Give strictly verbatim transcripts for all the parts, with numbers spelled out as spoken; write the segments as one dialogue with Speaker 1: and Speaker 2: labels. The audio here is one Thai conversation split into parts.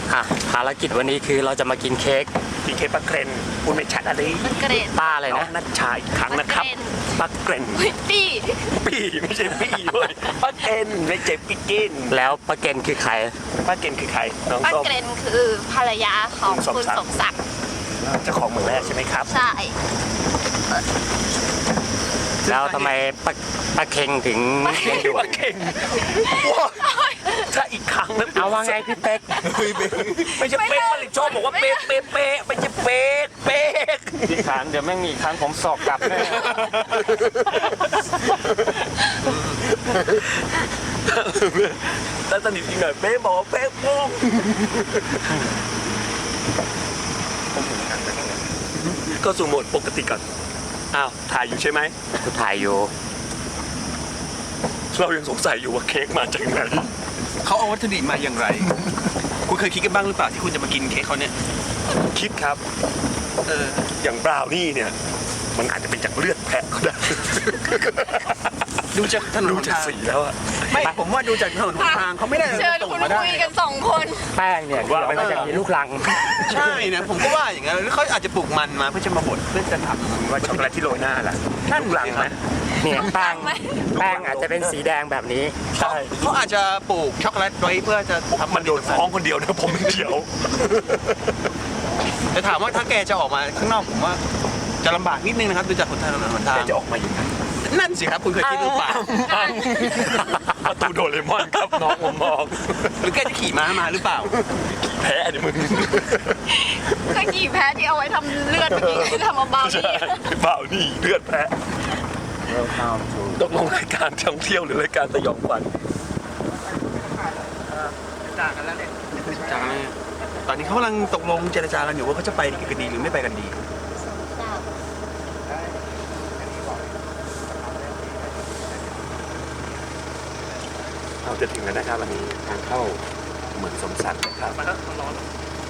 Speaker 1: อ่ะภารกิจวันนี้คือเราจะมากินเค้ก
Speaker 2: กินเค้กปักเกรนคุณไม่ชัดอะไร
Speaker 3: มันเกรด
Speaker 1: ป้าอะไร
Speaker 2: น้อ
Speaker 1: นะ
Speaker 2: งนัชชาอีกครั้งนะครับปักเกรน
Speaker 3: ปี้
Speaker 2: ปี้ไม่ใช่ปี้เว้ยปักเกรนไม่ใช่ปิ๊กกิน
Speaker 1: แล้วป้าเกนคือใคร
Speaker 2: ปักเกรนคือใครน้อง
Speaker 3: ป้า
Speaker 2: ส้ม
Speaker 3: เกรนคือภรรยาของ
Speaker 2: คุ
Speaker 3: คุณ ณ
Speaker 2: ส
Speaker 3: ส
Speaker 2: ม
Speaker 3: ม
Speaker 2: ศั
Speaker 3: ศั
Speaker 2: ก
Speaker 3: ก
Speaker 2: ดิ์
Speaker 3: ดิ์
Speaker 2: เจ้าของเมืองแรกใช่ไหมครับ
Speaker 3: ใช่
Speaker 1: แล้วทำไมป้าป้าเคงถึงเลี้ยงดู
Speaker 2: ปักเกรนว้าวถ้าอีกครั้งนะ
Speaker 1: เอาว่าไงพี่เป๊ก
Speaker 2: ไม่ใช่เป๊กผลิตโชคบอกว่าเป๊กเป๊กเป๊กไม่ใช่เป๊กเป๊ก
Speaker 1: พี่ขานเดี๋ยวแม่งมีครั้งผมสอกกลับแน่
Speaker 2: ถ้าสนิทอีกหน่อยเป๊กบอกว่าเป๊กโป้งก็สู่โหมดปกติก่อนอ้าวถ่ายอยู่ใช่ไหม
Speaker 1: กูถ่ายอยู่
Speaker 2: เรายังสงสัยอยู่ว่าเค้กมาจากไหน
Speaker 4: เขาเอาวัตถุดิบมาอย่างไร คุณเคยคิดกันบ้างหรือเปล่าที่คุณจะมากินเค้กเขาเนี่ย
Speaker 2: คิดครับ
Speaker 4: เออ
Speaker 2: อย่างบราวนี่เนี่ย มันอาจจะเป็นจากเลือดแพะก็ได้
Speaker 4: ดูจากถนน
Speaker 2: ดู
Speaker 4: หน
Speaker 2: จาก
Speaker 4: ทาง
Speaker 2: สีแล้วอะ
Speaker 4: ไม่ผมว่าดูจากถนนหนทางเขาไม่ได้
Speaker 3: เชิญ
Speaker 4: ส่ง
Speaker 3: คุณ
Speaker 4: มาได้
Speaker 3: คุยกันสองคน
Speaker 1: แป้งเนี่ยเดี๋ยวมันจะมีลูกลัง
Speaker 4: ใช่นะผมก็ว่าอย่างนั้นหรือเขาอาจจะปลูกมันมาเพื่อจะมาบดเพื่อจะทำ
Speaker 2: ว่าช็อกโกแลตที่โรยหน้าล่ะ
Speaker 4: นั่น
Speaker 2: ลูกหลังไหม
Speaker 1: เนี่ยแป้ง
Speaker 3: ไหม
Speaker 1: แป้งอาจจะเป็นสีแดงแบบนี้
Speaker 2: ใช่
Speaker 4: เขาอาจจะปลูกช็อกโกแลตไว้เพื่อจะทำ
Speaker 2: มันโดนฟ้องคนเดียวนะผมเดียว
Speaker 4: แต่ถามว่าถ้าแกจะออกมาข้างนอกผมว่าจะลำบากนิดนึงนะครับดูจากถนนหนทาง
Speaker 2: แกจะออกมาอยู่ไหน
Speaker 4: นั่นสิครับคุณเคยคิดหรือเปล่า
Speaker 2: ประตูโดเรมอนครับน้องผมมอง
Speaker 4: หรือแกจะขี่ม้ามาหรือเปล่า
Speaker 2: แพ้ดิมึง
Speaker 3: ก็กี่แพ้ที่เอาไว้ทำเลือดเมื่อกี้ทำมาเบา
Speaker 2: ใช่
Speaker 3: ดี
Speaker 2: เปล่านี่เลือดแพะตกลงรายการท่องเที่ยวหรือรายการสยองขวัญ
Speaker 4: จากกันแล้วเนี่ยจากกันแล้วตอนนี้เขากำลังตกลงเจรจากันอยู่ว่าเขาจะไปกันดีหรือไม่ไปกันดี
Speaker 2: เราจะถึงแล้วนะครับวันนี้ทางเข้าเหมือนสมศักดิ์นะครับมาแล้วร้อน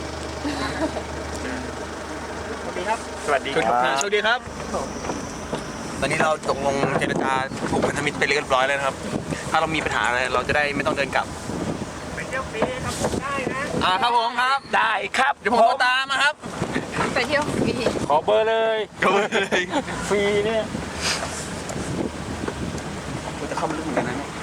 Speaker 2: สวัสดีครับสวัสดีครับ
Speaker 4: สวัสดีครับ ตอนนี้เราตกลงเจรจาผูกพันธมิตรไปเรียบร้อยแล้วนะครับ ถ้าเรามีปัญหาอะไรเราจะได้ไม่ต้องเดินกลับ
Speaker 2: ไปเที่ยวฟรีครับได้นะ
Speaker 4: อ่าครับผมครับ
Speaker 2: ได้ครับ
Speaker 4: เดี๋ยวผมโทรตามมาครับ
Speaker 3: ไปเที่ยวฟรี
Speaker 1: ขอเบอร์เลย
Speaker 4: ก็เลย
Speaker 1: ฟรีเนี่ย
Speaker 4: จะเข้ามาลึกเหมือนกันนะเนี่ย